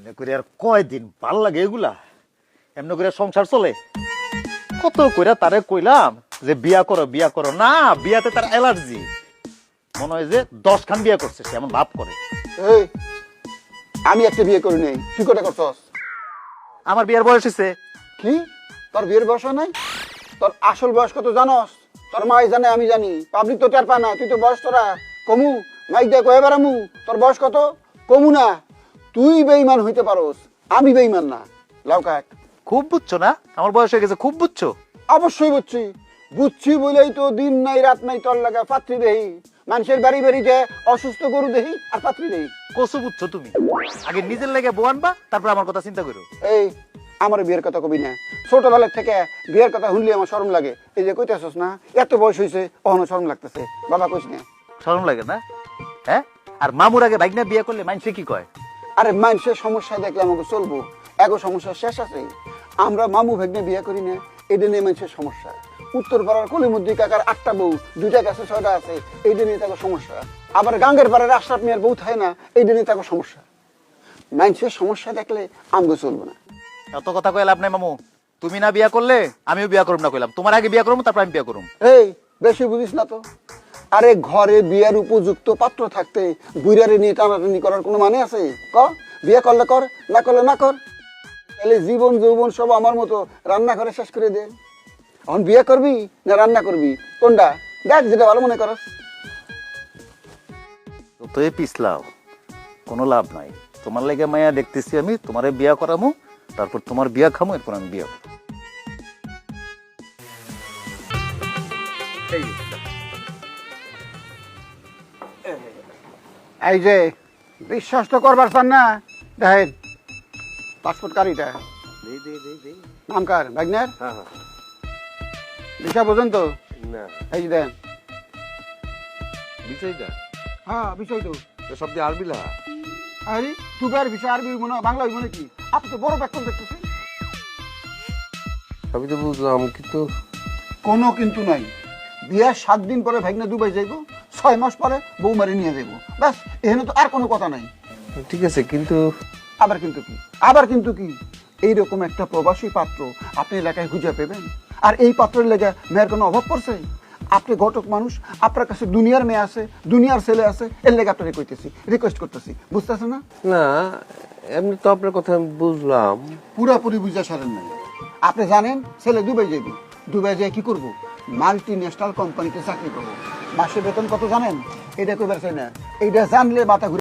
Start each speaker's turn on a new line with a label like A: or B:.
A: এমনি করে আর কয়দিন ভাল লাগে এগুলা? এমনি করে সংসার চলে? কত কইরা তারে কইলাম যে বিয়া করো না, বিয়াতে তার অ্যালার্জি। মনে হয় যে 10 খান বিয়া করছে, সে এমন ভাব করে।
B: এই আমি একটা বিয়ে করি নাই, তুই কোটা করছস?
A: আমার বিয়ার বয়স হয়েছে।
B: কি তোর বিয়ের বয়স হয় নাই? তোর আসল বয়স কত জানস? তোর মাই জানে, আমি জানি, পাবলিক তো টের পায় না। তুই তো বয়স তোরা কমু, মাইক দিয়ে কয়ে বেড়ামু তোর বয়স কত? কমু না। তুই বেঈমান হইতে পারোস, আমি বেঈমান না। লাউকা
A: খুব বুঝছো না আমার বয়স হয়ে গেছে? খুব বুঝছো?
B: অবশ্যই বুঝছি বলেই তো দিন নাই রাত নাই তোর লাগা পাত্রী দেহি। মানুষের বাড়ি বাড়িতে অসুস্থ গরু দেহি আর পাত্রী দেহি।
A: কসু বুঝছো তুমি? আগে নিজের লেগে বউ আনবা, তারপর আমার কথা চিন্তা করো।
B: এই আমার বিয়ের কথা কবি না। ছোটবেলার থেকে বিয়ের কথা শুনলে আমার শরম লাগে। এই যে কইতেছস না, এত বয়স হয়েছে অহনো শরম লাগতেছে। বাবা কইস না?
A: শরম লাগে না? হ্যাঁ, আর মামুর আগে বাইক না বিয়ে করলে মানুষে কি কয়?
B: আরে মানুষের সমস্যা দেখলে আমাকে চলবো, এগো সমস্যা শেষ আছে। আমরা মামু ভাগ্নে বিয়ে করি না, এটা নিয়ে মানুষের সমস্যা। উত্তর পাড়ার কলিমুদ্দি কাকার 8টা বউ, 2টা গাছে 6টা আছে, এইটা নিয়ে তাকে সমস্যা। আবার গাঙ্গের পাড়ার আশরাফ মিয়ার বউ থাকে না, এইটা নিয়ে তাকে সমস্যা। মানুষের সমস্যা দেখলে আমাকে চলবো না।
A: এত কথা কইলে লাভ নাই মামু। তুমি না বিয়া করলে আমিও বিয়া করব না কইলাম। তোমার আগে বিয়া করব, তারপর আমি বিয়া করব।
B: এই বেশি বুঝিস না তো। আরে ঘরে বিয়ার উপযুক্ত পাত্র থাকতে বুইরারে নিয়ে টানাটানি করার কোনো মানে আছে? ক বিয়ে করলে কর, না করলে না কর। তাহলে জীবন যৌবন সব আমার মতো রান্না করে শেষ করে দে। এখন বিয়ে করবি না রান্না করবি, কোনটা? দেখ যেটা ভালো মনে করস।
A: তো এই পিছলাও, কোনো লাভ নাই। তোমার লাগে মায়া দেখতেছি আমি, তোমারে বিয়া করামু, তারপর তোমার বিয়া খামু, এরপর আমি বিয়া করব।
B: এই যে বিশ্বাস তো করবার চান না, দেখেন পাসপোর্ট কারিটা নাম কার? ভাগ্নের বিষয় বোঝেন তো? এই যে দেন।
C: বিষয়টা
B: হ্যাঁ বিষয় তো।
C: সব দিয়ে আরবি লেখা।
B: আরে দুবার বিষয় আরবি মনে বাংলা মনে কি? আপনি তো বড় ব্যাকরণ দেখতেছেন।
C: সবই তো বুঝলাম, কিন্তু
B: কোনো কিন্তু নাই। বিয়ার 7 দিন পরে ভাগ্নে দুবাই যাইব, 6 মাস পরে বৌমারি নিয়ে যাইব, ব্যাস। এখানে তো আর কোনো কথা নাই।
C: ঠিক আছে, কিন্তু
B: আবার কিন্তু কি? আবার কিন্তু কি? এইরকম একটা প্রবাসী পাত্র আপনি এলাকায় খুঁজে পেবেন? আর এই পাত্রের লেগে মেয়ের কোনো অভাব পড়ছে? আপনি ঘটক মানুষ, আপনার কাছে দুনিয়ার মেয়ে আছে, দুনিয়ার ছেলে আছে, এর লেগে আপনাকে কইতেছি, রিকোয়েস্ট করতেছি, বুঝতেছেন না?
C: না, এমনি তো আপনার কথা আমি বুঝলাম।
B: পুরাপুরি বুঝা সারেন নাই। আপনি জানেন ছেলে দুবাই যাইব, দুবাই যায় কি করবো? মাল্টি ন্যাশনাল কোম্পানিতে চাকরি করবো। মাসে বেতন কত জানেন? এটা কইবার চাই না, এইটা জানলে মাথা ঘুরে